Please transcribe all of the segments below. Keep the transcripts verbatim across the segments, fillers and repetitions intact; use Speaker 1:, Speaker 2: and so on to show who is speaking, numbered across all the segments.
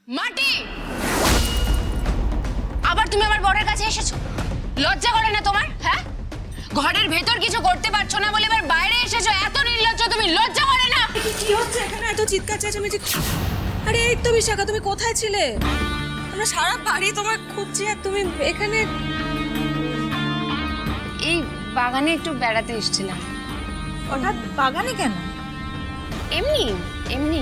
Speaker 1: মাটি, আবার তুমি আমার বরের কাছে এসেছো? লজ্জা করে না তোমার? হ্যাঁ, ঘরের ভেতর কিছু করতে পারছো না বলে এবার বাইরে এসেছো। এত নির্লজ্জ তুমি, লজ্জা করে না?
Speaker 2: কি হচ্ছে এখানে? এত চিৎকার চেঁচামেচি! আরে এই তো বিশাখা, তুমি কোথায় ছিলে? আমরা সারা বাড়ি তোমার খুঁজছি আর তুমি এখানে।
Speaker 1: এই বাগানে একটু বেড়াতে এসেছিলাম।
Speaker 2: হঠাৎ বাগানে কেন?
Speaker 1: এমনি এমনি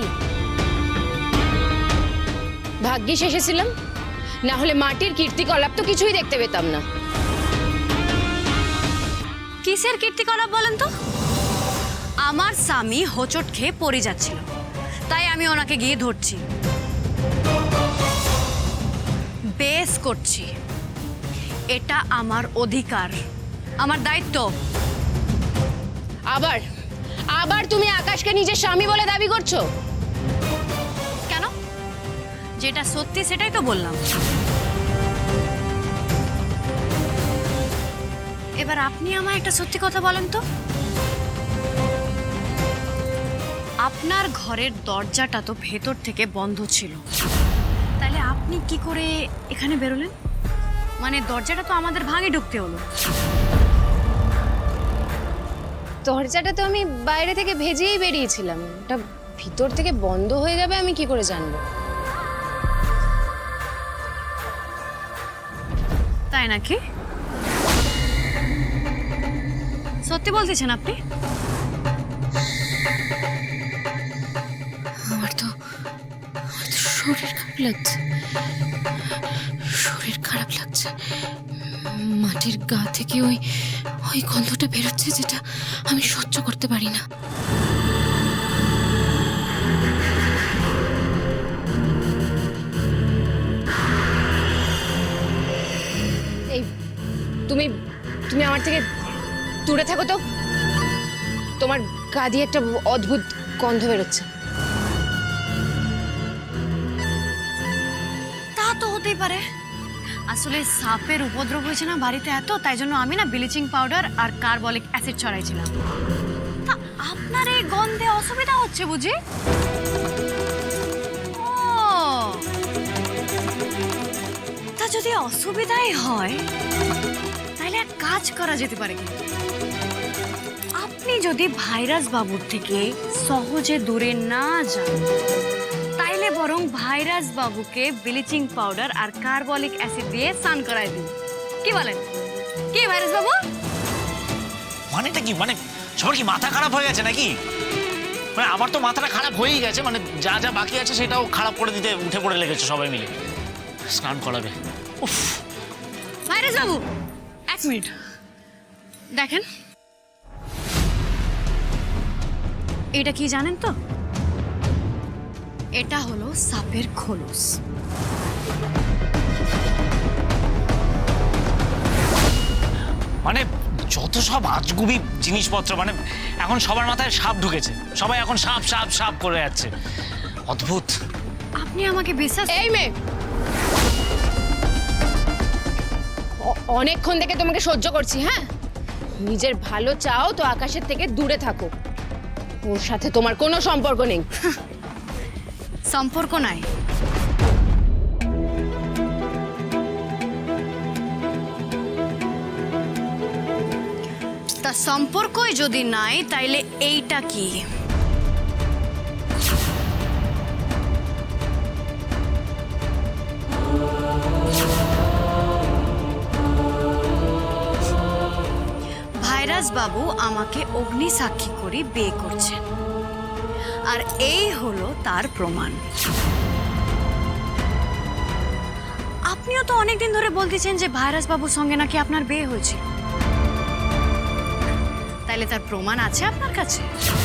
Speaker 1: ভাগ্যিস এসেছিলাম, না হলে মাটির কীর্তিকলাপ তো কিছুই দেখতে পেতাম না।
Speaker 3: কিসের কীর্তিকলাপ বলেন তো? আমার স্বামী হোঁচট খেয়ে পড়ে যাচ্ছিল, তাই আমি ওনাকে গিয়ে ধরছি, বেশ করছি। এটা আমার অধিকার, আমার দায়িত্ব।
Speaker 1: আবার আবার তুমি আকাশকে নিজের স্বামী বলে দাবি করছো?
Speaker 3: কেন? যেটা সত্যি সেটাই তো বললাম। এবার আপনি আমায় একটা সত্যি কথা বলেন তো, আপনার ঘরের দরজাটা তো ভেতর থেকে বন্ধ ছিল, তাহলে আপনি কি করে এখানে বেরোলেন? মানে দরজাটা তো আমাদের ভাঙে ঢুকতে হলো।
Speaker 1: দরজাটা তো আমি বাইরে থেকে ভেজেই বেরিয়েছিলাম, ওটা ভিতর থেকে বন্ধ হয়ে যাবে আমি কি করে জানবো?
Speaker 3: তাই নাকি? সত্যি বলতেছেন আপনি?
Speaker 4: আমার তো আমার তো শরীর খারাপ লাগছে, শরীর খারাপ লাগছে। মাটির গা থেকে ওই ওই গন্ধটা বেরোচ্ছে, যেটা আমি সহ্য করতে পারি না।
Speaker 1: এই তুমি তুমি আমার থেকে দূরে থাকো তো, তোমার গা দিয়ে একটা অদ্ভুত গন্ধ বেরোচ্ছে।
Speaker 3: তা তো হতেই পারে। আসলে সাপের উপদ্রব হয়েছে না বাড়িতে এত, তাই জন্য আমি না ব্লিচিং পাউডার আর কার্বলিক অ্যাসিড ছড়াইছিলাম। তা আপনার এই গন্ধে অসুবিধা হচ্ছে বুঝি? ও, তা যদি অসুবিধাই হয় তাহলে এক কাজ করা যেতে পারে। কিন্তু আপনি যদি ভাইরাস বাবুর থেকে সহজে দূরে না যান, তাইলে বরং ভাইরাস বাবুকে ব্লিচিং পাউডার আর কার্বলিক অ্যাসিড দিয়ে স্নান করায় দিন। কি বলেন? কি ভাইরাস বাবু?
Speaker 5: মানেটা কি? মানে সবার কি মাথা খারাপ হয়ে গেছে নাকি? মানে আমার তো মাথাটা খারাপ হয়েই গেছে, মানে যা যা বাকি আছে সেটাও খারাপ করে দিতে উঠে পড়ে লেগেছে সবাই মিলে। স্নান করাবে? উফ!
Speaker 3: ভাইরাস বাবু এক মিনিট দেখেন, এটা কি জানেন তো? এটা হলো সাপের খোলস।
Speaker 5: মানে যত সব আজগুবি জিনিসপত্র, মানে এখন সবার মাথায় সাপ ঢুকেছে, সবাই এখন সাপ সাপ সাপ করে যাচ্ছে। অদ্ভুত।
Speaker 3: আপনি আমাকে বিশ্বাস
Speaker 1: এই মেয়ে, অ- অনেকক্ষণ থেকে তোমাকে সহ্য করছি। হ্যাঁ, নিজের ভালো চাও তো আকাশের থেকে দূরে থাকো, ওর সাথে তোমার কোনো সম্পর্ক নেই।
Speaker 3: সম্পর্ক নাই? তা সম্পর্কই যদি নাই তাইলে এইটা কি? ভাইরাস বাবু আমাকে অগ্নি সাক্ষী করে বিয়ে করছেন, আর এই হলো তার প্রমাণ। আপনিও তো অনেকদিন ধরে বলতেছেন যে ভাইরাস বাবুর সঙ্গে নাকি আপনার বিয়ে হয়েছে, তাইলে তার প্রমাণ আছে আপনার কাছে?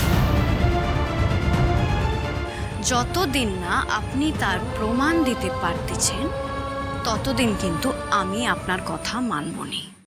Speaker 3: যতদিন না আপনি তার প্রমাণ দিতে পারতেছেন ততদিন কিন্তু আমি আপনার কথা মানব না।